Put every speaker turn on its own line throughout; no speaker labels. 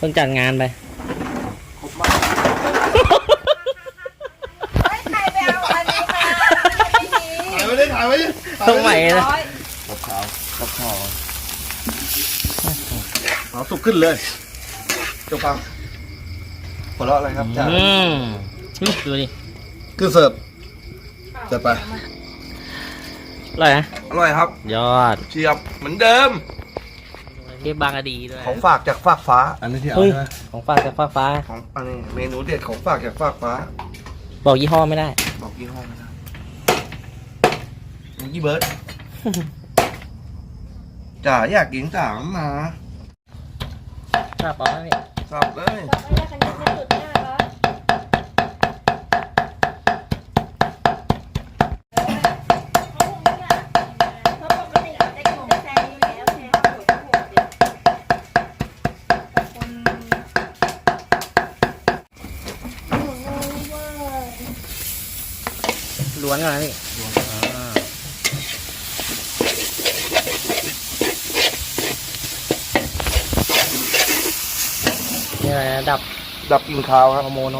พิ่งจัดงานไป
ครบมากไม่ได้ถ่ายไว้
ต้องใหม่นะ
กับข้าวเอาสุกขึ้นเลยเจ้าฟังหัวเราะอะไรครับจ้า
ดูดิ
คือเสิร์ฟจัดไป
อร่อยนะ
อร่อยครับ
ยอด
เชียบเหมือนเดิม
เทียบบางอดีด้วย
ของฝากจากฟากฟ้าอันนี้ที่เอาใช่ไหม
ของฝากจากฟากฟ้า
ของอันนี้เมนูเด็ดของฝากจากฟากฟ้า
บอกยี่ห้อไม่ได้
บอกยี่ห้อไม่ได้ยี่เบิร์ดจ๋าอยากกินจ๋ามา
ทราบป่ะพี่
ทราบเลย
ล้วนก่อนนะพี่นี่อะไรนะ
ดับกลิ่นคาวครับ
ฮอร์โมน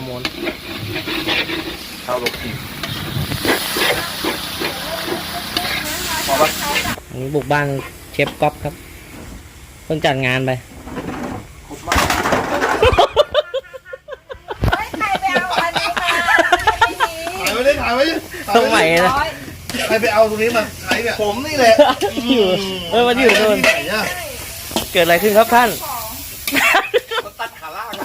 คาวลบกลิ่นพอปะ
อันนี้บุกบ้านเชฟก๊อฟครับเพิ่งจัดงานไป
ครบมากไม่ได้ถ่ายไว้
ต้องใหม่นะ
ใครไปเอาตรงนี้มาใช้เนี่ยผมนี่แหละ
มันอยู่โดนเกิดอะไรขึ้นครับท่าน
ตัดขาล่าง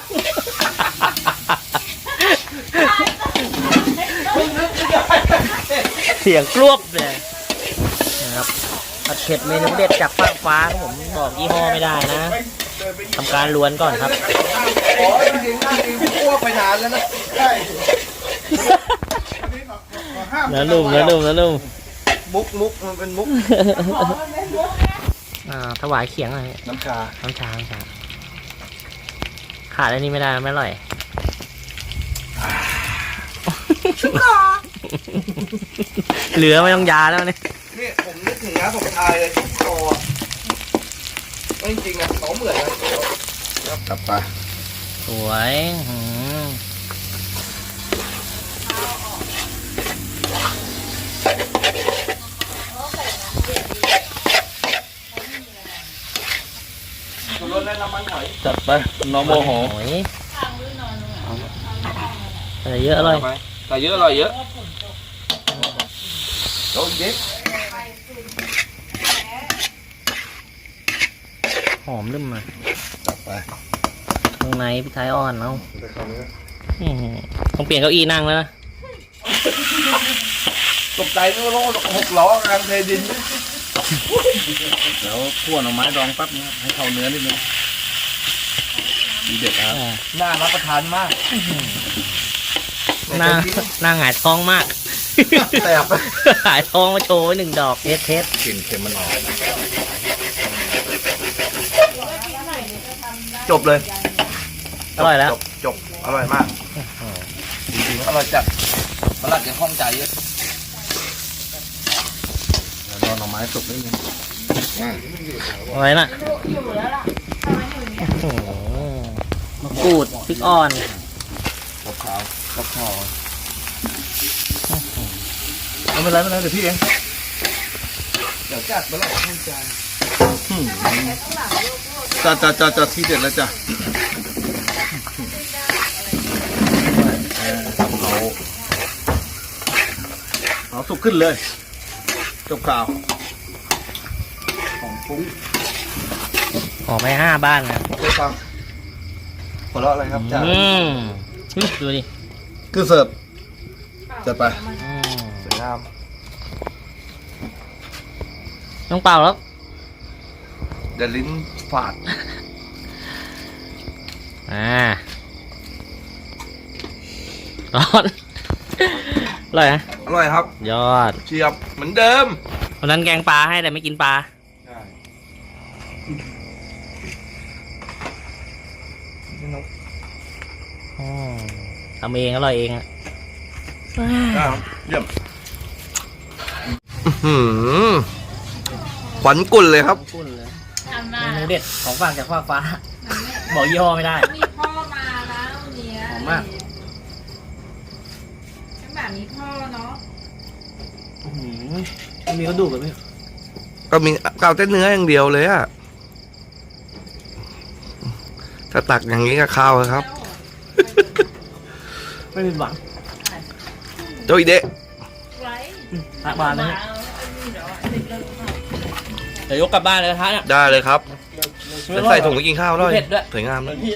เสียงกรวบเลยนะครับผัดเผ็ดเมนูเด็ดจากฟากฟ้าครับผมบอกยี่ห้อไม่ได้นะทำการล้วนก่อนครับ
โอ้ยจริงๆอ้วกไปนานแล้วนะใช่
แล้วนุ่ม
มุกมันเป็นมุก
ถวายเขียงอะไร
น้ำชา
ขาดอันนี้ไม่ได้ไม่อร่อยเหลือไม่ต้องยาแล้วเนี่ย
นี่ผมนึกถึงนะผมทายเลยคอจริงๆนะเขาเหมือนกันกลับไป
สวย
จัดไปน้องโมโห
ใส่เยอะอร่อย
ใส่เยอะอร่อยเยอะโดนเย็บ
หอมลืมมา
จัดไป
ข้างในพี่ท้ายอ่อนเอาต้องเปลี่ยนเก้าอี้นั่งแล้วนะ
ตกใจนึกว่า6 ล้อกลางเทดินแล้วคั่วหน่อไม้ดองแป๊บนึงให้เข้าเนื้อนิดนึงดีเด็ดครับน่ารับประทานมาก
หน้าหงายท้องมาก
แต่
หงายท้องมาโชว์1 ดอกเทส
กลิ่นเค็มมันออกจบเลย
อร่อยแล้ว
จบอร่อยมากจริงๆอร่อยจัดตลาดยังคล่องใจเยอะแล้วรอหน่อไม้สุกนิดนึง
อะไรน่ะมะกรูดพริกอ่อน
กับข้าวไม่เป็นไรเดี๋ยวพี่เองเดี๋ยวจัดไปแล้วคล่องใจจะที่เด็ดแล้วจ้ะเอาสุกขึ้นเลยจบข่าวของฟุ้ง
ออกไป5 บ้านนะ
ไปฟังหัวเราะอะไรครับจ้า
ดูดิ
คือเสิร์ฟจัดไปสวยงาม
ต้องเปล่าแล้ว
เดี๋ยวลิ้นฝาด
ร้อนอร่อยนะ
อร่อยครับ
ยอด
เชียบเหมือนเดิม
วันนั้นแกงปลาให้แต่ไม่กินปลา
ใช่
ทำเองอร่อยเองอ่ะ
เยี่ยมขวัญกุ่นเลยครับ
เมนูเด็ดของฝากจากฟากฟ้าบอกยี่ห้อไม่ได้
มีพ่อมานะวันเนี้ย
หอมมาก
ใช่แบบมีพ่อเนาะ
มีกระดูกกับพี่
ก็มีเกาเต้นเนื้ออย่างเดียวเลยอะถ้าตักอย่างนี้ก็ข้าวเลยครับ
ไม่ผิดหวัง
โจอีเดะ
ทักบ้านนะเนี่ยเดี๋ยวยกกลับบ้านเลยกระทะเนี่ย
ได้เลยครับ
ไม่
ใส่ถุงไปกินข้าวด้วย
เผ็ดด้วย
สวยงามเลย